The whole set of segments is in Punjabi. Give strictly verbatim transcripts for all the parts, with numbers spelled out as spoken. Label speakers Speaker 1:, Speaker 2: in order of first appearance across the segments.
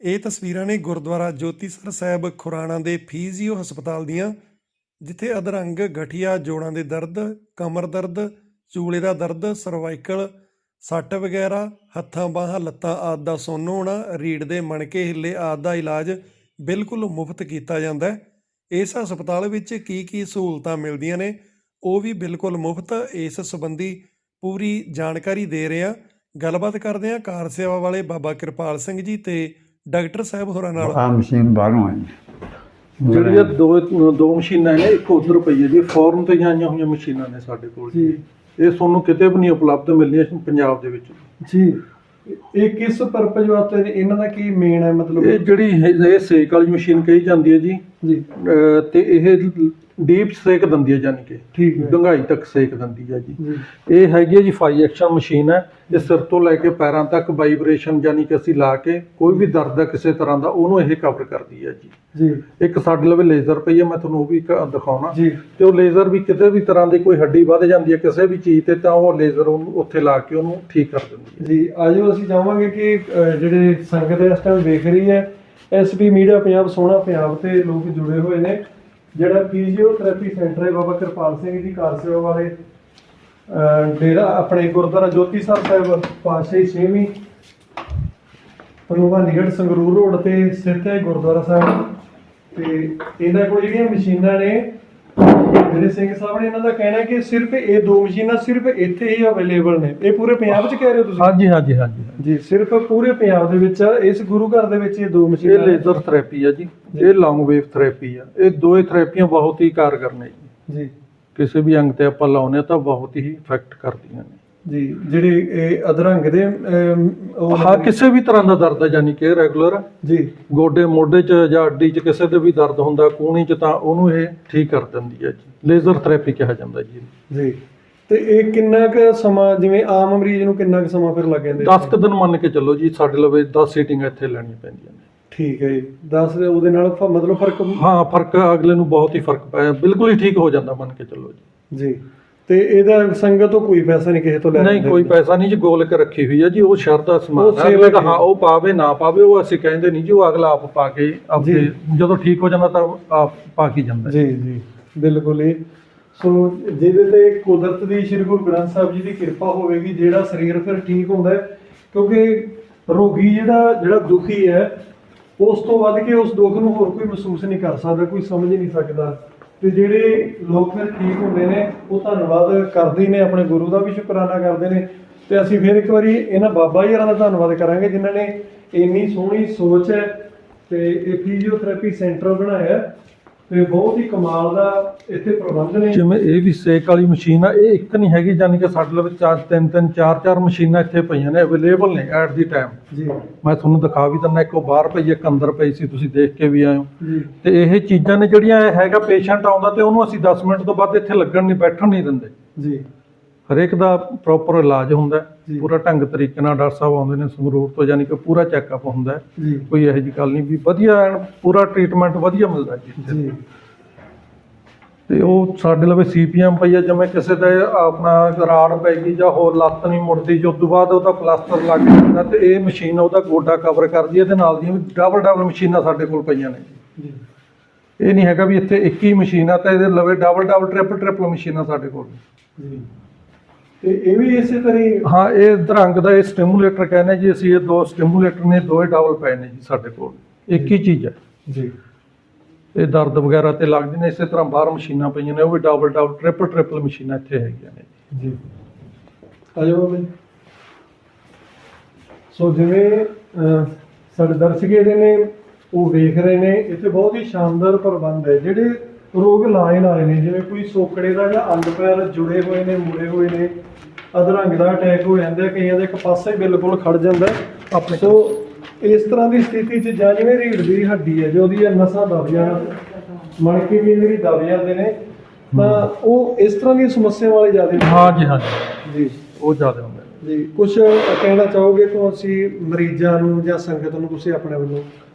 Speaker 1: ਇਹ ਤਸਵੀਰਾਂ ਨੇ ਗੁਰਦੁਆਰਾ ਜੋਤੀਸਰ ਸਾਹਿਬ ਖੁਰਾਣਾ ਦੇ ਫਿਜ਼ੀਓ ਹਸਪਤਾਲ ਦੀਆਂ, ਜਿੱਥੇ ਅਧਰੰਗ, ਗਠੀਆ, ਜੋੜਾਂ ਦੇ ਦਰਦ, ਕਮਰ ਦਰਦ, ਚੂਲੇ ਦਾ ਦਰਦ, ਸਰਵਾਈਕਲ, ਸੱਟ ਵਗੈਰਾ, ਹੱਥਾਂ ਬਾਹਾਂ ਲੱਤਾਂ ਆਦਿ ਦਾ ਸੁੰਨ ਹੋਣਾ, ਰੀੜ੍ਹ ਦੇ ਮਣਕੇ ਹਿੱਲੇ ਆਦਿ ਦਾ ਇਲਾਜ ਬਿਲਕੁਲ ਮੁਫਤ ਕੀਤਾ ਜਾਂਦਾ ਹੈ। ਇਸ ਹਸਪਤਾਲ ਵਿੱਚ ਕੀ ਕੀ ਸਹੂਲਤਾਂ ਮਿਲਦੀਆਂ ਨੇ ਉਹ ਵੀ ਬਿਲਕੁਲ ਮੁਫਤ। ਇਸ ਸੰਬੰਧੀ ਪੂਰੀ ਜਾਣਕਾਰੀ ਦੇ ਰਹੇ ਹਾਂ। ਗੱਲਬਾਤ ਕਰਦੇ ਹਾਂ ਕਾਰ ਸੇਵਾ ਵਾਲੇ ਬਾਬਾ ਕਿਰਪਾਲ ਸਿੰਘ ਜੀ ਤੇ ਡਾਕਟਰ ਸਾਹਿਬ ਹੋਰਾਂ ਨਾਲ।
Speaker 2: ਆ ਮਸ਼ੀਨ ਬਾਹਰੋਂ ਆਈ
Speaker 3: ਜਿਹੜੀਆਂ ਦੋ ਦੋ ਮਸ਼ੀਨਾਂ ਨੇ, ਇੱਕ ਉੱਧਰ ਪਈ ਹੈ ਜੀ, ਫੋਰਨ ਤੇ ਆਈਆਂ ਹੋਈਆਂ ਮਸ਼ੀਨਾਂ ਨੇ ਸਾਡੇ ਕੋਲ ਜੀ। ਇਹ ਤੁਹਾਨੂੰ ਕਿਤੇ ਵੀ ਨਹੀਂ ਉਪਲਬਧ ਮਿਲਣੀਆਂ ਪੰਜਾਬ ਦੇ ਵਿੱਚ ਜੀ।
Speaker 4: ਇਹ ਕਿਸ ਪਰਪਸ ਵਾਸਤੇ ਇਹਨਾਂ ਦਾ ਕੀ ਮੇਨ ਹੈ? ਮਤਲਬ
Speaker 3: ਇਹ ਜਿਹੜੀ ਇਹ ਸੇਕ ਵਾਲੀ ਮਸ਼ੀਨ ਕਹੀ ਜਾਂਦੀ ਹੈ ਜੀ
Speaker 4: ਜੀ,
Speaker 3: ਤੇ ਇਹ ਡੀਪ ਸੇਕ ਦਿੰਦੀ ਹੈ, ਯਾਨੀ ਕਿ
Speaker 4: ਠੀਕ ਹੈ,
Speaker 3: ਡੂੰਘਾਈ ਤੱਕ ਸੇਕ ਦਿੰਦੀ ਹੈ ਜੀ।
Speaker 4: ਜੀ
Speaker 3: ਇਹ ਹੈਗੀ ਹੈ ਜੀ ਫਾਈਵ ਐਕਸ਼ਨ ਮਸ਼ੀਨ ਹੈ। ਇਹ ਸਿਰ ਤੋਂ ਲੈ ਕੇ ਪੈਰਾਂ ਤੱਕ ਵਾਈਬ੍ਰੇਸ਼ਨ, ਯਾਨੀ ਕਿ ਅਸੀਂ ਲਾ ਕੇ ਕੋਈ ਵੀ ਦਰਦ ਹੈ ਕਿਸੇ ਤਰ੍ਹਾਂ ਦਾ ਉਹਨੂੰ ਇਹ ਕਵਰ ਕਰਦੀ ਹੈ ਜੀ।
Speaker 4: ਜੀ
Speaker 3: ਇੱਕ ਸਾਡੇ ਲਵੇ ਲੇਜ਼ਰ ਪਈ ਹੈ, ਮੈਂ ਤੁਹਾਨੂੰ ਉਹ ਵੀ ਦਿਖਾਉਣਾ
Speaker 4: ਜੀ।
Speaker 3: ਤੇ ਉਹ ਲੇਜ਼ਰ ਵੀ ਕਿਤੇ ਵੀ ਤਰ੍ਹਾਂ ਦੀ ਕੋਈ ਹੱਡੀ ਵੱਧ ਜਾਂਦੀ ਹੈ ਕਿਸੇ ਵੀ ਚੀਜ਼ ਤੇ, ਤਾਂ ਉਹ ਲੇਜ਼ਰ ਉਹਨੂੰ ਉੱਥੇ ਲਾ ਕੇ ਉਹਨੂੰ ਠੀਕ ਕਰ ਦਿੰਦੀ ਹੈ
Speaker 4: ਜੀ। ਆਜੋ ਅਸੀਂ ਚਾਹਾਂਗੇ ਕਿ ਅਹ, ਜਿਹੜੇ ਸੰਗਤ ਇਸ ਟਾਈਮ ਵੇਖ ਰਹੀ ਹੈ, ਐਸ ਪੀ ਮੀਡੀਆ ਪੰਜਾਬ, ਸੋਹਣਾ ਪੰਜਾਬ ਤੇ ਲੋਕ ਜੁੜੇ ਹੋਏ ਨੇ। ਜਿਹੜਾ ਫਿਜ਼ੀਓਥੈਰੇਪੀ ਸੈਂਟਰ ਹੈ ਬਾਬਾ ਕਿਰਪਾਲ ਸਿੰਘ ਜੀ ਕਾਰ ਸੇਵਾ ਵਾਲੇ, ਅਹ, ਡੇਰਾ ਆਪਣੇ ਗੁਰਦੁਆਰਾ ਜੋਤੀਸਰ ਸਾਹਿਬ ਪਾਤਸ਼ਾਹੀ ਛੇਵੀਂ, ਭਗਵਾਨੀਗੜ੍ਹ ਸੰਗਰੂਰ ਰੋਡ ਤੇ ਸਥਿਤ ਹੈ ਗੁਰਦੁਆਰਾ ਸਾਹਿਬ। ਤੇ ਇਹਨਾਂ ਕੋਲ ਜਿਹੜੀਆਂ ਮਸ਼ੀਨਾਂ ਨੇ, ਜਿਹੜੇ ਸਿੰਘ ਸਾਹਿਬ ਨੇ, ਇਹਨਾਂ ਦਾ ਕਹਿਣਾ ਹੈ ਕਿ ਸਿਰਫ ਇਹ ਦੋ ਮਸ਼ੀਨਾਂ ਸਿਰਫ ਇੱਥੇ ਹੀ ਅਵੇਲੇਬਲ ਨੇ। ਇਹ ਪੂਰੇ ਪੰਜਾਬ 'ਚ ਕਹਿ ਰਹੇ ਹੋ ਤੁਸੀਂ?
Speaker 3: ਹਾਂਜੀ ਹਾਂਜੀ ਹਾਂਜੀ
Speaker 4: ਜੀ, ਸਿਰਫ ਪੂਰੇ ਪੰਜਾਬ ਦੇ ਵਿੱਚ ਇਸ ਗੁਰੂ ਘਰ ਦੇ ਵਿੱਚ ਇਹ ਦੋ
Speaker 3: ਇਹ
Speaker 4: ਮਸ਼ੀਨਾਂ ਨੇ।
Speaker 3: ਲੇਜ਼ਰ ਥੈਰੇਪੀ ਹੈ ਜੀ, ਇਹ ਲੌਂਗ ਵੇਵ ਥੈਰੇਪੀ ਆ। ਇਹ ਦੋਏ ਥੈਰੇਪੀਆਂ ਬਹੁਤ ਹੀ ਕਾਰਗਰ ਨੇ ਜੀ।
Speaker 4: ਜੀ
Speaker 3: ਕਿਸੇ ਵੀ ਅੰਗ ਤੇ ਆਪਾਂ ਲਾਉਨੇ ਤਾਂ ਬਹੁਤ ਹੀ ਇਫੈਕਟ ਕਰਦੀਆਂ ਨੇ
Speaker 4: ਜੀ। ਜਿਹੜੇ ਇਹ ਅਧਰੰਗ ਦੇ ਅਮ, ਉਹ
Speaker 3: ਹਾਂ, ਕਿਸੇ ਵੀ ਤਰ੍ਹਾਂ ਦਾ ਦਰਦ ਹੈ, ਯਾਨੀ ਕਿ ਰੈਗੂਲਰ
Speaker 4: ਜੀ,
Speaker 3: ਗੋਡੇ ਮੋਢੇ 'ਚ ਜਾਂ ਅੱਡੀ 'ਚ ਕਿਸੇ ਦੇ ਵੀ ਦਰਦ ਹੁੰਦਾ ਕੂਹਣੀ 'ਚ, ਤਾਂ ਉਹਨੂੰ ਇਹ ਠੀਕ ਕਰ ਦਿੰਦੀ ਹੈ ਜੀ। ਲੇਜ਼ਰ ਥੈਰੇਪੀ ਕਿਹਾ ਜਾਂਦਾ ਜੀ
Speaker 4: ਜੀ। ਤੇ ਇਹ ਕਿੰਨਾ ਕੁ ਸਮਾਂ, ਜਿਵੇਂ ਆਮ ਮਰੀਜ਼ ਨੂੰ ਕਿੰਨਾ ਕੁ ਸਮਾਂ ਫਿਰ ਲੱਗ ਜਾਂਦਾ?
Speaker 3: ਦਸ ਕੁ ਦਿਨ ਮੰਨ ਕੇ ਚੱਲੋ ਜੀ। ਸਾਡੇ ਲਵੇ ਦਸ ਸੀਟਿੰਗਾਂ ਇੱਥੇ ਲੈਣੀਆਂ ਪੈਂਦੀਆਂ ਨੇ।
Speaker 4: ਠੀਕ ਹੈ ਜੀ। ਦਸ ਉਹਦੇ ਨਾਲ ਫ- ਮਤਲਬ ਫਰਕ?
Speaker 3: ਹਾਂ, ਫਰਕ ਅਗਲੇ ਨੂੰ ਬਹੁਤ ਹੀ ਫਰਕ ਪਿਆ, ਬਿਲਕੁਲ ਹੀ ਠੀਕ ਹੋ ਜਾਂਦਾ ਮੰਨ ਕੇ ਚੱਲੋ ਜੀ।
Speaker 4: ਜੀ। ਤੇ ਇਹਦਾ ਸੰਗਤ ਤੋਂ ਕੋਈ ਪੈਸਾ ਨਹੀਂ ਕਿਸੇ ਤੋਂ ਲੈਣਾ?
Speaker 3: ਨਹੀਂ, ਕੋਈ ਪੈਸਾ ਨਹੀਂ ਜੀ। ਗੋਲਕ ਰੱਖੀ ਹੋਈ ਹੈ ਜੀ, ਉਹ ਸ਼ਰਧਾ ਸਮਾਨ
Speaker 4: ਉਹ
Speaker 3: ਹੈ
Speaker 4: ਸੇਵਾ
Speaker 3: ਅਗਲੇ ਦਾ। ਹਾਂ, ਉਹ ਪਾਵੇ ਨਾ ਪਾਵੇ ਉਹ ਅਸੀਂ ਕਹਿੰਦੇ ਨਹੀਂ ਜੀ, ਉਹ ਅਗਲਾ ਆਪ ਪਾ ਕੇ ਆਪੇ ਜਦੋਂ ਠੀਕ ਹੋ ਜਾਂਦਾ ਤਾਂ ਆਪ ਪਾ ਕੇ ਜਾਂਦਾ
Speaker 4: ਜੀ। ਜੀ ਬਿਲਕੁਲ ਹੀ। ਸੋ ਜਿਹਦੇ ਤੇ ਕੁਦਰਤ ਦੀ, ਸ੍ਰੀ ਗੁਰੂ ਗ੍ਰੰਥ ਸਾਹਿਬ ਜੀ ਦੀ ਕਿਰਪਾ ਹੋਵੇਗੀ, ਜਿਹੜਾ ਸਰੀਰ ਫਿਰ ਠੀਕ ਹੁੰਦਾ ਹੈ। ਕਿਉਂਕਿ ਰੋਗੀ ਜਿਹੜਾ ਜਿਹੜਾ ਦੁਖੀ ਹੈ, ਉਸ ਤੋਂ ਵੱਧ ਕੇ ਉਸ ਦੁੱਖ ਨੂੰ ਹੋਰ ਕੋਈ ਮਹਿਸੂਸ ਨਹੀਂ ਕਰ ਸਕਦਾ, ਕੋਈ ਸਮਝ ਨਹੀਂ ਸਕਦਾ। ਤੇ ਜਿਹੜੇ ਲੋਕ ਫਿਰ ਠੀਕ ਹੁੰਦੇ ਨੇ ਉਹ ਧੰਨਵਾਦ ਕਰਦੇ ਨੇ, ਆਪਣੇ ਗੁਰੂ ਦਾ ਵੀ ਸ਼ੁਕਰਾਨਾ ਕਰਦੇ ਨੇ। ਤੇ ਅਸੀਂ ਫਿਰ ਇੱਕ ਵਾਰੀ ਇਹਨਾਂ ਬਾਬਾ ਜੀ ਹੋਰਾਂ ਦਾ ਧੰਨਵਾਦ ਕਰਾਂਗੇ ਜਿਨ੍ਹਾਂ ਨੇ ਇੰਨੀ ਸੋਹਣੀ ਸੋਚ ਹੈ ਤੇ ਇਹ ਫਿਜ਼ੀਓਥੈਰੇਪੀ ਸੈਂਟਰ ਬਣਾਇਆ ਤੇ ਬਹੁਤ ਹੀ ਕਮਾਲ ਦਾ ਇੱਥੇ ਪ੍ਰਬੰਧ ਨੇ।
Speaker 3: ਜਿਵੇਂ ਇਹ ਵੀ ਸੇਕ ਵਾਲੀ ਮਸ਼ੀਨ ਆ, ਇਹ ਇੱਕ ਨਹੀਂ ਹੈਗੀ, ਯਾਨੀ ਕਿ ਸਾਡੇ ਲਵੇ ਚਾਰ ਤਿੰਨ ਤਿੰਨ ਚਾਰ ਚਾਰ ਮਸ਼ੀਨਾਂ ਇੱਥੇ ਪਈਆਂ ਨੇ, ਅਵੇਲੇਬਲ ਨੇ ਐਟ ਦੀ ਟਾਈਮ
Speaker 4: ਜੀ।
Speaker 3: ਮੈਂ ਤੁਹਾਨੂੰ ਦਿਖਾ ਵੀ ਦਿੰਦਾ। ਇੱਕ ਉਹ ਬਾਹਰ ਪਈ, ਇੱਕ ਅੰਦਰ ਪਈ ਸੀ, ਤੁਸੀਂ ਦੇਖ ਕੇ ਵੀ ਆਏ ਹੋ
Speaker 4: ਜੀ।
Speaker 3: ਤੇ ਇਹ ਚੀਜ਼ਾਂ ਨੇ ਜਿਹੜੀਆਂ ਇਹ ਹੈਗਾ, ਪੇਸ਼ੈਂਟ ਆਉਂਦਾ ਤੇ ਉਹਨੂੰ ਅਸੀਂ ਦਸ ਮਿੰਟ ਤੋਂ ਬਾਅਦ ਇੱਥੇ ਲੱਗਣ ਨਹੀਂ, ਬੈਠਣ ਨਹੀਂ ਦਿੰਦੇ
Speaker 4: ਜੀ।
Speaker 3: ਹਰੇਕ ਦਾ ਪ੍ਰੋਪਰ ਇਲਾਜ ਹੁੰਦਾ
Speaker 4: ਜੀ।
Speaker 3: ਪੂਰਾ ਢੰਗ ਤਰੀਕੇ ਨਾਲ। ਡਾਕਟਰ ਸਾਹਿਬ ਆਉਂਦੇ ਨੇ ਸੰਗਰੂਰ ਤੋਂ, ਯਾਨੀ ਕਿ ਪੂਰਾ ਚੈੱਕਅਪ ਹੁੰਦਾ ਹੈ,
Speaker 4: ਜੀ।
Speaker 3: ਕੋਈ ਇਹੋ ਜਿਹੀ ਗੱਲ ਨਹੀਂ ਵੀ ਵਧੀਆ ਐਨ ਪੂਰਾ ਟ੍ਰੀਟਮੈਂਟ ਵਧੀਆ ਮਿਲਦਾ ਜੀ ਇੱਥੇ।
Speaker 4: ਜੀ।
Speaker 3: ਤੇ ਉਹ ਸਾਡੇ ਲਵੇ ਸੀ ਪੀ ਐਮ ਪਈ ਆ। ਜਿਵੇਂ ਕਿਸੇ ਦਾ ਆਪਣਾ ਰਾੜ ਪੈ ਗਈ ਜਾਂ ਹੋਰ ਲੱਤ ਨਹੀਂ ਮੁੜਦੀ, ਜੋ ਤੋਂ ਬਾਅਦ ਉਹਦਾ ਪਲਾਸਟਰ ਲੱਗ ਜਾਂਦਾ ਤੇ ਇਹ ਮਸ਼ੀਨ ਉਹਦਾ ਗੋਡਾ ਕਵਰ ਕਰਦੀ ਹੈ। ਤੇ ਨਾਲ ਦੀਆਂ ਵੀ ਡਬਲ ਡਬਲ ਮਸ਼ੀਨਾਂ ਸਾਡੇ ਕੋਲ ਪਈਆਂ ਨੇ ਜੀ।
Speaker 4: ਜੀ।
Speaker 3: ਇਹ ਨਹੀਂ ਹੈਗਾ ਵੀ ਇੱਥੇ ਇੱਕ ਹੀ ਮਸ਼ੀਨ ਆ ਤਾਂ ਇਹਦੇ ਲਵੇ ਡਬਲ ਡਬਲ ਟ੍ਰਿਪਲ ਟ੍ਰਿਪਲ ਮਸ਼ੀਨਾਂ ਸਾਡੇ ਕੋਲ।
Speaker 4: ਜੀ। ਤੇ ਇਹ ਵੀ ਇਸੇ ਤਰ੍ਹਾਂ ਹੀ?
Speaker 3: ਹਾਂ, ਇਹ ਦਰੰਗ ਦਾ ਇਹ ਸਟਿਮੂਲੇਟਰ ਕਹਿੰਦੇ ਜੀ ਅਸੀਂ। ਇਹ ਦੋ ਸਟਿਮੂਲੇਟਰ ਨੇ, ਦੋਏ ਡਬਲ ਪਏ ਨੇ ਜੀ ਸਾਡੇ ਕੋਲ, ਇੱਕ ਹੀ ਚੀਜ਼ ਹੈ
Speaker 4: ਜੀ।
Speaker 3: ਇਹ ਦਰਦ ਵਗੈਰਾ ਤੇ ਲੱਗਦੇ ਨੇ। ਇਸੇ ਤਰ੍ਹਾਂ ਬਾਹਰ ਮਸ਼ੀਨਾਂ ਪਈਆਂ ਨੇ, ਉਹ ਵੀ ਡਬਲ ਡਬਲ ਟ੍ਰਿਪਲ ਟ੍ਰਿਪਲ ਮਸ਼ੀਨਾਂ ਇੱਥੇ ਹੈਗੀਆਂ ਨੇ
Speaker 4: ਜੀ। ਆਜੋ ਬਾਬੇ। ਸੋ ਜਿਵੇਂ ਅਹ, ਸਾਡੇ ਦਰਸ਼ਕ ਜਿਹੜੇ ਨੇ ਉਹ ਵੇਖ ਰਹੇ ਨੇ, ਇੱਥੇ ਬਹੁਤ ਹੀ ਸ਼ਾਨਦਾਰ ਪ੍ਰਬੰਧ ਹੈ। ਜਿਹੜੇ ਰੋਗ ਲਾਏ ਲਾਏ ਨੇ, ਜਿਵੇਂ ਕੋਈ ਸੋਕੜੇ ਦਾ ਜਾਂ ਅੰਗ ਪੈਰ ਜੁੜੇ ਹੋਏ ਨੇ, ਮੁੜੇ ਹੋਏ ਨੇ, ਅਧਰੰਗ ਦਾ ਅਟੈਕ ਹੋ ਜਾਂਦਾ, ਕਈਆਂ ਦਾ ਇੱਕ ਪਾਸਾ ਹੀ ਬਿਲਕੁਲ ਖੜ ਜਾਂਦਾ ਆਪਣੇ। ਸੋ ਇਸ ਤਰ੍ਹਾਂ ਦੀ ਸਥਿਤੀ 'ਚ, ਜਾਂ ਜਿਵੇਂ ਰੀੜ੍ਹ ਦੀ ਹੱਡੀ ਹੈ, ਜੋ ਉਹਦੀ ਨਸਾਂ ਦਬ ਜਾਣ, ਮਣਕੇ ਵੀ ਜਿਹੜੀ ਦਬ ਜਾਂਦੇ ਨੇ, ਤਾਂ ਉਹ ਇਸ ਤਰ੍ਹਾਂ ਦੀਆਂ ਸਮੱਸਿਆਵਾਂ ਵਾਲੇ ਜ਼ਿਆਦਾ?
Speaker 3: ਹਾਂ ਜੀ, ਹਾਂ ਜੀ, ਉਹ ਜ਼ਿਆਦਾ ਹੁੰਦਾ
Speaker 4: ਜੀ। ਕੁਝ ਕਹਿਣਾ ਚਾਹੋਗੇ ਤੁਸੀਂ ਮਰੀਜ਼ਾਂ ਨੂੰ ਜਾਂ ਸੰਗਤ ਨੂੰ, ਤੁਸੀਂ ਆਪਣੇ ਵੱਲੋਂ?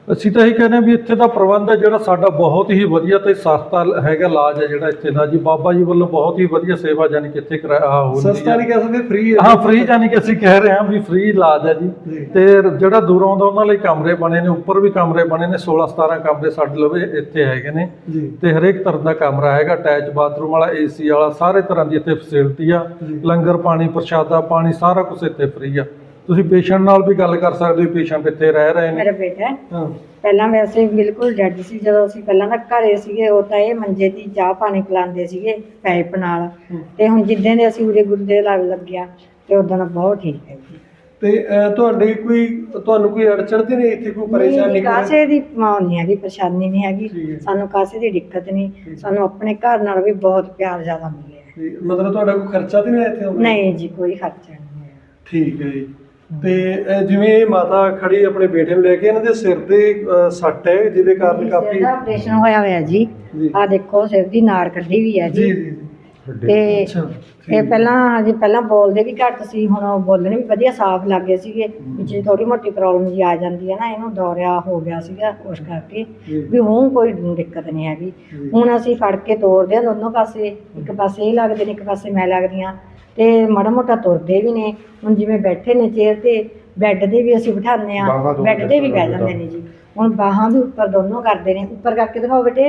Speaker 3: ਅਸੀਂ ਤਾਂ ਇਹ ਕਹਿੰਦੇ ਹਾਂ ਵੀ ਇੱਥੇ ਦਾ ਪ੍ਰਬੰਧ ਹੈ ਜਿਹੜਾ ਸਾਡਾ ਬਹੁਤ ਹੀ ਵਧੀਆ ਤੇ ਸਸਤਾ ਹੈਗਾ ਇਲਾਜ ਹੈ ਜਿਹੜਾ ਇੱਥੇ ਦਾ ਜੀ। ਬਾਬਾ ਜੀ ਵੱਲੋਂ ਬਹੁਤ ਹੀ ਵਧੀਆ ਸੇਵਾ ਜਾਨੀ ਕਿ ਇੱਥੇ ਕਰਾਇਆ ਹੁੰਦੀ ਹੈ।
Speaker 4: ਸਸਤਾ ਨਹੀਂ ਕਹਿ ਸਕਦੇ, ਫ੍ਰੀ ਹੈ।
Speaker 3: ਹਾਂ ਫ੍ਰੀ ਜਾਨੀ ਕਿ ਅਸੀਂ ਕਹਿ ਰਹੇ ਹਾਂ ਵੀ ਫ੍ਰੀ ਇਲਾਜ ਹੈ ਜੀ। ਤੇ ਜਿਹੜਾ ਦੂਰੋਂ ਆਉਂਦਾ ਉਹਨਾਂ ਲਈ ਕਮਰੇ ਬਣੇ ਨੇ, ਉੱਪਰ ਵੀ ਕਮਰੇ ਬਣੇ ਨੇ, ਸੋਲਾਂ ਸਤਾਰਾਂ ਕਮਰੇ ਸਾਡੇ ਲਵੇ ਇੱਥੇ ਹੈਗੇ ਨੇ
Speaker 4: ਜੀ।
Speaker 3: ਤੇ ਹਰੇਕ ਤਰ੍ਹਾਂ ਦਾ ਕਮਰਾ ਹੈਗਾ, ਅਟੈਚ ਬਾਥਰੂਮ ਵਾਲਾ, ਏਸੀ ਵਾਲਾ, ਸਾਰੇ ਤਰ੍ਹਾਂ ਦੀ ਇੱਥੇ ਫੈਸਿਲਿਟੀ ਆ। ਲੰਗਰ ਪਾਣੀ, ਪ੍ਰਸ਼ਾਦਾ ਪਾਣੀ ਸਾਰਾ ਕੁਝ ਇੱਥੇ ਫ੍ਰੀ ਆ। ਤੁਸੀਂ ਪੇਸ਼ੈਂਟ ਨਾਲ ਵੀ ਗੱਲ ਕਰ ਸਕਦੇ ਹੋ, ਪੇਸ਼ੈਂਟ ਇੱਥੇ ਰਹਿ ਰਹੇ ਨੇ।
Speaker 2: ਮੇਰਾ ਬੇਟਾ
Speaker 4: ਹਾਂ
Speaker 2: ਪਹਿਲਾਂ ਵੈਸੇ ਬਿਲਕੁਲ ਡੈਡ ਸੀ, ਜਦੋਂ ਅਸੀਂ ਪਹਿਲਾਂ ਤਾਂ ਘਰੇ ਸੀਗੇ ਉਹ ਤਾਂ ਇਹ ਮੰਜੇ ਦੀ ਚਾਹ ਪਾਣੀ ਪਿਲਾਉਂਦੇ ਸੀਗੇ ਪਾਈਪ ਨਾਲ, ਤੇ ਹੁਣ ਜਿੱਦਾਂ ਦੇ ਅਸੀਂ ਉਰੇ ਗੁਰਦੇ ਲੱਗ ਲੱਗਿਆ ਤੇ ਉਦੋਂ ਬਹੁਤ ਠੀਕ ਹੈ ਜੀ।
Speaker 4: ਤੇ ਅਹ, ਤੁਹਾਡੇ ਕੋਈ ਤੁਹਾਨੂੰ ਕੋਈ ਅੜਚਣ ਤੇ ਨਹੀਂ ਇੱਥੇ, ਕੋਈ ਪਰੇਸ਼ਾਨੀ
Speaker 2: ਨਹੀਂ,
Speaker 4: ਕੋਈ?
Speaker 2: ਕਾਸੇ ਦੀ ਮਾਂ ਨਹੀਂ ਹੈਗੀ, ਪਰੇਸ਼ਾਨੀ ਨਹੀਂ
Speaker 4: ਠੀਕ ਹੈ।
Speaker 2: ਹੈਗੀ ਸਾਨੂੰ, ਕਾਸੇ ਦੀ ਦਿੱਕਤ ਨਹੀਂ ਸਾਨੂੰ। ਆਪਣੇ ਘਰ ਨਾਲ ਵੀ ਬਹੁਤ ਪਿਆਰ ਜ਼ਿਆਦਾ ਮਿਲਿਆ।
Speaker 4: ਜੀ, ਮਤਲਬ ਤੁਹਾਡਾ ਕੋਈ ਖਰਚਾ ਤੇ ਨਹੀਂ ਆਇਆ ਇੱਥੇ ਆਉਣ ਦਾ?
Speaker 2: ਨਹੀਂ ਜੀ, ਕੋਈ ਖਰਚਾ ਨਹੀਂ ਹੈ।
Speaker 4: ਠੀਕ ਹੈ ਜੀ। ਤੇ ਅਹ, ਜਿਵੇਂ ਇਹ ਮਾਤਾ ਖੜੀ ਆਪਣੇ ਬੇਟੇ ਨੂੰ ਲੈ ਕੇ, ਇਹਨਾਂ ਦੇ ਸਿਰ ਤੇ ਅਹ, ਸੱਟ ਹੈ ਜਿਹਦੇ ਕਾਰਨ ਕਾਫੀ।
Speaker 2: ਇਹਦਾ ਆਪਰੇਸ਼ਨ ਹੋਇਆ ਹੋਇਆ ਜੀ,
Speaker 4: ਜੀ।
Speaker 2: ਆਹ ਦੇਖੋ ਸਿਰ ਦੀ ਨਾੜ ਕੱਢੀ ਵੀ ਹੈ
Speaker 4: ਜੀ
Speaker 2: ਜੀ।
Speaker 4: ਜੀ
Speaker 2: ਤੇ
Speaker 4: ਅੱਛਾ,
Speaker 2: ਇਹ ਪਹਿਲਾਂ ਜੀ ਪਹਿਲਾਂ ਬੋਲਦੇ ਵੀ ਘੱਟ ਸੀ, ਹੁਣ ਉਹ ਬੋਲਣ ਵੀ ਵਧੀਆ ਸਾਫ਼ ਲੱਗੇ ਸੀਗੇ। ਵਿੱਚ ਥੋੜੀ ਮੋਟੀ ਪ੍ਰੋਬਲਮ ਜੀ ਆ ਜਾਂਦੀ ਹੈ ਨਾ, ਇਹਨੂੰ ਦੌਰਿਆ ਹੋ ਗਿਆ ਸੀਗਾ ਉਸ ਕਰਕੇ ਵੀ ਹੁਣ ਕੋਈ ਦਿੱਕਤ ਨਹੀਂ ਹੈਗੀ। ਹੁਣ ਅਸੀਂ ਫੜ ਕੇ ਤੋਰਦੇ ਹਾਂ ਦੋਨੋਂ ਪਾਸੇ, ਇੱਕ ਪਾਸੇ ਇਹ ਲੱਗਦੇ ਨੇ, ਇੱਕ ਪਾਸੇ ਮੈਂ ਲੱਗਦੀ ਹਾਂ, ਤੇ ਮਾੜਾ ਮੋਟਾ ਤੁਰਦੇ ਵੀ ਨੇ। ਹੁਣ ਜਿਵੇਂ ਬੈਠੇ ਨੇ ਚੇਅਰ ਤੇ, ਬੈੱਡ ਤੇ ਵੀ ਅਸੀਂ ਬਿਠਾਉਂਦੇ ਹਾਂ, ਬੈੱਡ ਤੇ ਵੀ ਬਹਿ ਜਾਂਦੇ ਨੇ ਜੀ। ਹੁਣ ਬਾਹਾਂ ਵੀ ਉੱਪਰ ਦੋਨੋਂ ਕਰਦੇ ਨੇ। ਉੱਪਰ ਕਰਕੇ ਦਿਖਾਓ ਬੇਟੇ,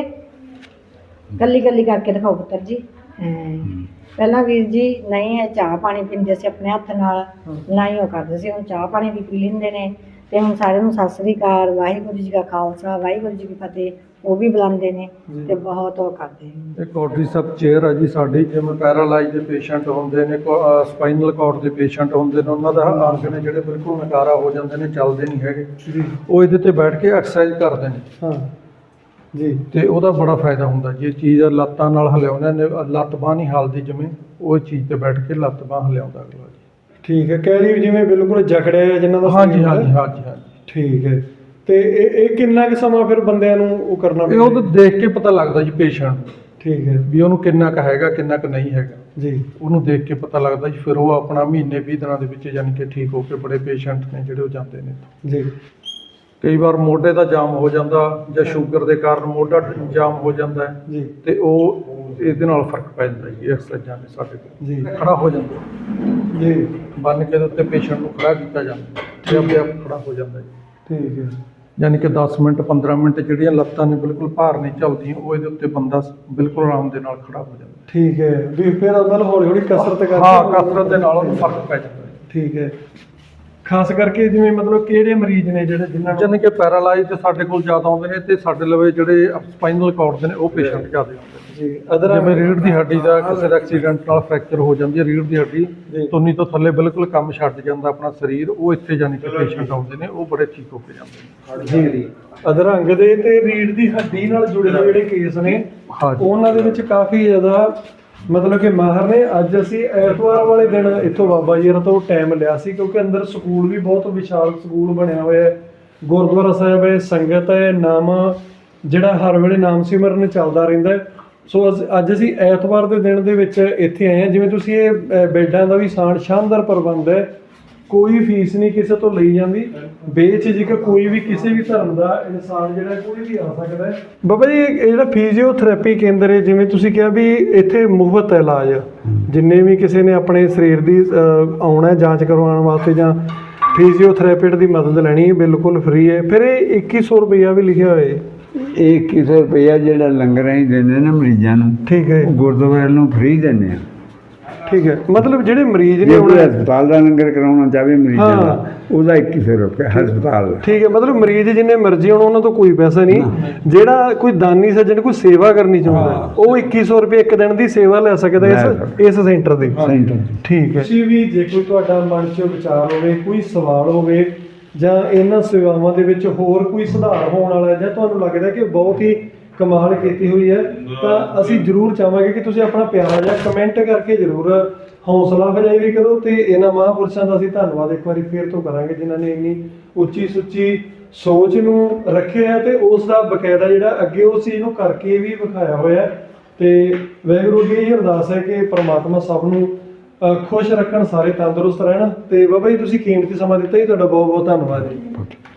Speaker 2: ਕੱਲੀ ਕੱਲੀ ਕਰਕੇ ਦਿਖਾਓ ਪੁੱਤਰ ਜੀ। ਹਾਂ। ਪਹਿਲਾਂ ਵੀਰ ਜੀ ਨਹੀਂ ਇਹ ਚਾਹ ਪਾਣੀ ਪੀਂਦੇ ਸੀ ਆਪਣੇ ਹੱਥ ਨਾਲ, ਨਾ ਹੀ ਉਹ ਕਰਦੇ ਸੀ, ਹੁਣ ਚਾਹ ਪਾਣੀ ਵੀ ਪੀ ਲੈਂਦੇ ਨੇ। ਤੇ ਹੁਣ ਸਾਰਿਆਂ ਨੂੰ ਸਤਿ ਸ੍ਰੀ ਅਕਾਲ, ਵਾਹਿਗੁਰੂ ਜੀ ਕਾ ਖਾਲਸਾ, ਵਾਹਿਗੁਰੂ ਜੀ ਕੀ ਫਤਿਹ ਉਹ ਵੀ ਬੁਲਾਉਂਦੇ ਨੇ ਤੇ ਬਹੁਤ ਉਹ ਕਰਦੇ ਨੇ।
Speaker 3: ਇਹ ਕੋਡਰੀਸੈਪ ਚੇਅਰ ਆ ਜੀ ਸਾਡੀ, ਜਿਵੇਂ ਪੈਰਾਲਾਈਜ਼ ਦੇ ਪੇਸ਼ੈਂਟ ਹੁੰਦੇ ਨੇ, ਸਪਾਈਨਲ ਕਾਰਡ ਦੇ ਪੇਸ਼ੈਂਟ ਹੁੰਦੇ ਨੇ, ਉਹਨਾਂ ਦਾ ਅੰਗ ਨੇ ਜਿਹੜੇ ਬਿਲਕੁਲ ਨਕਾਰਾ ਹੋ ਜਾਂਦੇ ਨੇ, ਚੱਲਦੇ ਨਹੀਂ ਹੈਗੇ, ਉਹ ਇਹਦੇ ਤੇ ਬੈਠ ਕੇ ਐਕਸਰਸਾਈਜ਼ ਕਰਦੇ ਨੇ।
Speaker 4: ਹਾਂ ਜੀ।
Speaker 3: ਤੇ ਉਹਦਾ ਬੜਾ ਫਾਇਦਾ ਹੁੰਦਾ ਜੀ। ਇਹ ਚੀਜ਼ ਲੱਤਾਂ ਨਾਲ ਹਿਲਾਉਂਦੇ ਨੇ, ਲੱਤ ਬਾਂਹ ਨਹੀਂ ਹਿਲਦੀ ਜਿਵੇਂ, ਉਹ ਚੀਜ਼ ਤੇ ਬੈਠ ਕੇ ਲੱਤ ਬਾਂਹ ਹਿਲਾਉਂਦਾ ਅਗਲਾ ਜੀ।
Speaker 4: ਠੀਕ ਹੈ, ਕਹਿ ਲਈ ਜਿਵੇਂ ਬਿਲਕੁਲ ਜਕੜਿਆ ਹੈ ਜਿਨ੍ਹਾਂ ਦਾ
Speaker 3: ਹਾਂਜੀ
Speaker 4: ਸਰੀਰ ਹੈ।
Speaker 3: ਹਾਂਜੀ ਹਾਂਜੀ ਹਾਂਜੀ।
Speaker 4: ਠੀਕ ਹੈ। ਤੇ ਇਹ ਇਹ ਕਿੰਨਾ ਕੁ ਸਮਾਂ ਫਿਰ ਬੰਦਿਆਂ ਨੂੰ ਉਹ ਕਰਨਾ
Speaker 3: ਇਹ ਉਹ ਦੇਖ ਕੇ ਪਤਾ ਲੱਗਦਾ ਜੀ ਪੇਸ਼ੈਂਟ ਨੂੰ,
Speaker 4: ਠੀਕ ਹੈ
Speaker 3: ਵੀ ਉਹਨੂੰ ਕਿੰਨਾ ਕੁ ਹੈਗਾ ਕਿੰਨਾ ਕੁ ਨਹੀਂ ਹੈਗਾ
Speaker 4: ਜੀ।
Speaker 3: ਉਹਨੂੰ ਦੇਖ ਕੇ ਪਤਾ ਲੱਗਦਾ ਜੀ। ਫਿਰ ਉਹ ਆਪਣਾ ਮਹੀਨੇ ਵੀਹ ਦਿਨਾਂ ਦੇ ਵਿੱਚ ਯਾਨੀ ਕਿ ਠੀਕ ਹੋ ਕੇ, ਬੜੇ ਪੇਸ਼ੈਂਟ ਨੇ ਜਿਹੜੇ ਉਹ ਜਾਂਦੇ ਨੇ।
Speaker 4: ਜੀ
Speaker 3: ਕਈ ਵਾਰ ਮੋਢੇ ਦਾ ਜਾਮ ਹੋ ਜਾਂਦਾ ਜਾਂ ਸ਼ੂਗਰ ਦੇ ਕਾਰਨ ਮੋਢਾ ਜਾਮ ਹੋ ਜਾਂਦਾ ਹੈ,
Speaker 4: ਜੀ
Speaker 3: ਤੇ ਉਹ ਇਹਦੇ ਨਾਲ ਫਰਕ ਪੈ ਜਾਂਦਾ ਜੀ। ਐਕਸਰਸਾਈਜ਼ਾਂ ਨੇ ਸਾਡੇ ਕੋਲ
Speaker 4: ਜੀ
Speaker 3: ਖੜਾ ਹੋ ਜਾਂਦਾ
Speaker 4: ਜੀ।
Speaker 3: ਬੰਨ ਕੇ ਦੇ ਉੱਤੇ ਪੇਸ਼ੈਂਟ ਨੂੰ ਖੜਾ ਕੀਤਾ ਜਾਂਦਾ ਤੇ ਆਪਣੇ ਆਪ ਖੜਾ ਹੋ ਜਾਂਦਾ ਜੀ।
Speaker 4: ਠੀਕ ਹੈ।
Speaker 3: ਯਾਨੀ ਕਿ ਦਸ ਮਿੰਟ ਪੰਦਰਾਂ ਮਿੰਟ ਜਿਹੜੀਆਂ ਲੱਤਾਂ ਨੇ ਬਿਲਕੁਲ ਭਾਰ ਨਹੀਂ ਚੱਲਦੀਆਂ, ਉਹ ਇਹਦੇ ਉੱਤੇ ਬੰਦਾ ਬਿਲਕੁਲ ਆਰਾਮ ਦੇ ਨਾਲ ਖੜਾ ਹੋ ਜਾਂਦਾ।
Speaker 4: ਠੀਕ ਹੈ, ਵੀ ਫਿਰ ਉਹਦਾ ਹੌਲੀ ਹੌਲੀ ਕਸਰਤ ਕਰਕੇ।
Speaker 3: ਹਾਂ, ਕਸਰਤ ਦੇ ਨਾਲ ਉਹਨੂੰ ਫਰਕ ਪੈ ਜਾਂਦਾ ਹੈ।
Speaker 4: ਠੀਕ ਹੈ। ਖਾਸ ਕਰਕੇ ਜਿਵੇਂ ਮਤਲਬ ਕਿਹੜੇ ਮਰੀਜ਼ ਨੇ ਜਿਹੜੇ ਜਿਨ੍ਹਾਂ ਨੂੰ
Speaker 3: ਯਾਨੀ ਕਿ ਪੈਰਾਲਾਈਜ਼ ਸਾਡੇ ਕੋਲ ਜ਼ਿਆਦਾ ਆਉਂਦੇ ਨੇ, ਤੇ ਸਾਡੇ ਲਵੇ ਜਿਹੜੇ ਸਪਾਈਨਲ ਕਾਰਡ ਦੇ ਨੇ ਉਹ ਪੇਸ਼ੈਂਟ ਜ਼ਿਆਦਾ ਆਉਂਦੇ ਨੇ।
Speaker 4: ਜੀ ਅਦਰ
Speaker 3: ਜਿਵੇਂ ਰੀੜ੍ਹ ਦੀ ਹੱਡੀ ਦਾ ਕਿਸੇ ਦਾ ਐਕਸੀਡੈਂਟ ਨਾਲ ਫ੍ਰੈਕਚਰ ਹੋ ਜਾਂਦੀ ਹੈ, ਰੀੜ੍ਹ ਦੀ ਹੱਡੀ ਤੁੰਨੀ ਤੋਂ ਥੱਲੇ ਬਿਲਕੁਲ ਕੰਮ ਛੱਡ ਜਾਂਦਾ ਆਪਣਾ ਸਰੀਰ, ਉਹ ਇੱਥੇ ਯਾਨੀ ਕਿ ਪੇਸ਼ੈਂਟ ਆਉਂਦੇ ਨੇ, ਉਹ ਬੜੇ ਠੀਕ ਹੋ ਕੇ ਜਾਂਦੇ ਨੇ।
Speaker 4: ਜੀ ਅਧਰੰਗ ਦੇ ਤੇ ਰੀੜ੍ਹ ਦੀ ਹੱਡੀ ਨਾਲ ਜੁੜੇ ਹੋਏ ਜਿਹੜੇ ਕੇਸ ਨੇ,
Speaker 3: ਹਾਂਜੀ।
Speaker 4: ਉਹਨਾਂ ਦੇ ਵਿੱਚ ਕਾਫੀ ਜ਼ਿਆਦਾ ਮਤਲਬ ਕਿ ਮਾਹਰ ਨੇ। ਅੱਜ ਅਸੀਂ ਐਤਵਾਰ ਵਾਲੇ ਦਿਨ ਇੱਥੋਂ ਬਾਬਾ ਜੀ ਤੋਂ ਟਾਈਮ ਲਿਆ ਸੀ, ਕਿਉਂਕਿ ਅੰਦਰ ਸਕੂਲ ਵੀ ਬਹੁਤ ਵਿਸ਼ਾਲ ਸਕੂਲ ਬਣਿਆ ਹੋਇਆ ਹੈ, ਗੁਰਦੁਆਰਾ ਸਾਹਿਬ ਹੈ, ਸੰਗਤ ਹੈ, ਨਾਮ ਜਿਹੜਾ ਹਰ ਵੇਲੇ ਨਾਮ ਸਿਮਰਨ ਚੱਲਦਾ ਰਹਿੰਦਾ ਹੈ। ਸੋ ਅਸ- ਅੱਜ ਅਸੀਂ ਐਤਵਾਰ ਦੇ ਦਿਨ ਦੇ ਵਿੱਚ ਇੱਥੇ ਆਏ ਹਾਂ। ਜਿਵੇਂ ਤੁਸੀਂ ਇਹ ਅ, ਬੈੱਡਾਂ ਦਾ ਵੀ ਸ਼ਾਨ ਸ਼ਾਨਦਾਰ ਪ੍ਰਬੰਧ ਹੈ, ਕੋਈ ਫੀਸ ਨਹੀਂ ਕਿਸੇ ਤੋਂ ਲਈ ਜਾਂਦੀ, ਬੇਝਿਜਕ ਕੋਈ ਵੀ ਕਿਸੇ ਵੀ ਧਰਮ ਦਾ ਇਨਸਾਨ ਜਿਹੜਾ ਕੋਈ ਵੀ ਆ ਸਕਦਾ ਹੈ। ਬਾਬਾ ਜੀ ਇਹ ਜਿਹੜਾ ਫਿਜ਼ੀਓਥੈਰੇਪੀ ਕੇਂਦਰ ਹੈ, ਜਿਵੇਂ ਤੁਸੀਂ ਕਿਹਾ ਵੀ ਇੱਥੇ ਮੁਫਤ ਹੈ ਇਲਾਜ, ਜਿੰਨੇ ਵੀ ਕਿਸੇ ਨੇ ਆਪਣੇ ਸਰੀਰ ਦੀ ਅ, ਆਉਣਾ ਹੈ ਜਾਂਚ ਕਰਵਾਉਣ ਵਾਸਤੇ ਜਾਂ ਫਿਜ਼ੀਓਥੈਰੇਪਿਸਟ ਦੀ ਮਦਦ ਲੈਣੀ ਹੈ, ਬਿਲਕੁਲ ਫ੍ਰੀ ਹੈ। ਫਿਰ ਇਹ ਇੱਕੀ ਸੌ ਰੁਪਈਆ ਵੀ ਲਿਖਿਆ ਹੋਇਆ ਹੈ।
Speaker 5: ਇਹ ਇੱਕੀ ਸੌ ਰੁਪਈਆ ਜਿਹੜਾ ਲੰਗਰ ਅਸੀਂ ਦਿੰਦੇ ਨੇ ਮਰੀਜ਼ਾਂ ਨੂੰ,
Speaker 4: ਠੀਕ ਹੈ
Speaker 5: ਉਹ ਗੁਰਦੁਆਰੇ ਨੂੰ ਫ੍ਰੀ ਦਿੰਦੇ ਆ।
Speaker 4: ਠੀਕ ਹੈ, ਮਤਲਬ ਜਿਹੜੇ ਮਰੀਜ਼ ਨੇ
Speaker 5: ਜੇ ਕੋਈ
Speaker 4: ਹੁਣ
Speaker 5: ਹਸਪਤਾਲ ਦਾ ਲੰਗਰ ਕਰਾਉਣਾ ਚਾਹਵੇ ਮਰੀਜ਼ਾਂ
Speaker 4: ਹਾਂ।
Speaker 5: ਦਾ, ਉਹਦਾ ਇੱਕੀ ਸੌ ਰੁਪਏ ਹਸਪਤਾਲ ਦਾ।
Speaker 4: ਠੀਕ ਹੈ, ਮਤਲਬ ਮਰੀਜ਼ ਜਿੰਨੇ ਮਰਜ਼ੀ ਹੋਣ ਉਹਨਾਂ ਤੋਂ ਕੋਈ ਪੈਸਾ ਨਹੀਂ। ਜਿਹੜਾ ਕੋਈ ਦਾਨੀ ਸੱਜਣ ਕੋਈ ਸੇਵਾ ਕਰਨੀ ਚਾਹੁੰਦਾ ਉਹ ਇੱਕੀ ਸੌ ਰੁਪਏ ਇੱਕ ਦਿਨ ਦੀ ਸੇਵਾ ਲੈ ਸਕਦਾ ਇਸ ਇਸ ਸੈਂਟਰ ਦੇ।
Speaker 5: ਸੈਂਟਰ
Speaker 4: ਠੀਕ ਹੈ। ਤੁਸੀਂ ਵੀ ਜੇ ਕੋਈ ਤੁਹਾਡਾ ਮਨ 'ਚ ਵਿਚਾਰ ਹੋਵੇ, ਕੋਈ ਸਵਾਲ ਹੋਵੇ, ਜਾਂ ਇਹਨਾਂ ਸੇਵਾਵਾਂ ਦੇ ਵਿੱਚ ਹੋਰ ਕੋਈ ਸੁਧਾਰ ਹੋਣ ਵਾਲਾ, ਜਾਂ ਤੁਹਾਨੂੰ ਲੱਗਦਾ ਕਿ ਬਹੁਤ ਹੀ ਕਮਾਲ ਕੀਤੀ ਹੋਈ ਹੈ, ਤਾਂ ਅਸੀਂ ਜ਼ਰੂਰ ਚਾਹਾਂਗੇ ਕਿ ਤੁਸੀਂ ਆਪਣਾ ਪਿਆਰਾ ਜਿਹਾ ਕਮੈਂਟ ਕਰਕੇ ਜ਼ਰੂਰ ਹੌਸਲਾ ਅਫਜ਼ਾਈ ਵੀ ਕਰੋ। ਤੇ ਇਹਨਾਂ ਮਹਾਂਪੁਰਸ਼ਾਂ ਦਾ ਅਸੀਂ ਧੰਨਵਾਦ ਇੱਕ ਵਾਰੀ ਫੇਰ ਤੋਂ ਕਰਾਂਗੇ, ਜਿਨ੍ਹਾਂ ਨੇ ਇੰਨੀ ਉੱਚੀ ਸੁੱਚੀ ਸੋਚ ਨੂੰ ਰੱਖਿਆ ਤੇ ਉਸ ਦਾ ਬਕਾਇਦਾ ਜਿਹੜਾ ਅੱਗੇ ਉਸ ਚੀਜ਼ ਨੂੰ ਕਰਕੇ ਵੀ ਵਿਖਾਇਆ ਹੋਇਆ। ਤੇ ਵਾਹਿਗੁਰੂ ਜੀ ਇਹ ਅਰਦਾਸ ਹੈ ਕਿ ਪ੍ਰਮਾਤਮਾ ਸਭ ਨੂੰ ਅ, ਖੁਸ਼ ਰੱਖਣ, ਸਾਰੇ ਤੰਦਰੁਸਤ ਰਹਿਣ। ਤੇ ਬਾਬਾ ਜੀ ਤੁਸੀਂ ਕੀਮਤੀ ਸਮਾਂ ਦਿੱਤਾ ਜੀ, ਤੁਹਾਡਾ ਬਹੁਤ ਬਹੁਤ ਧੰਨਵਾਦ ਜੀ।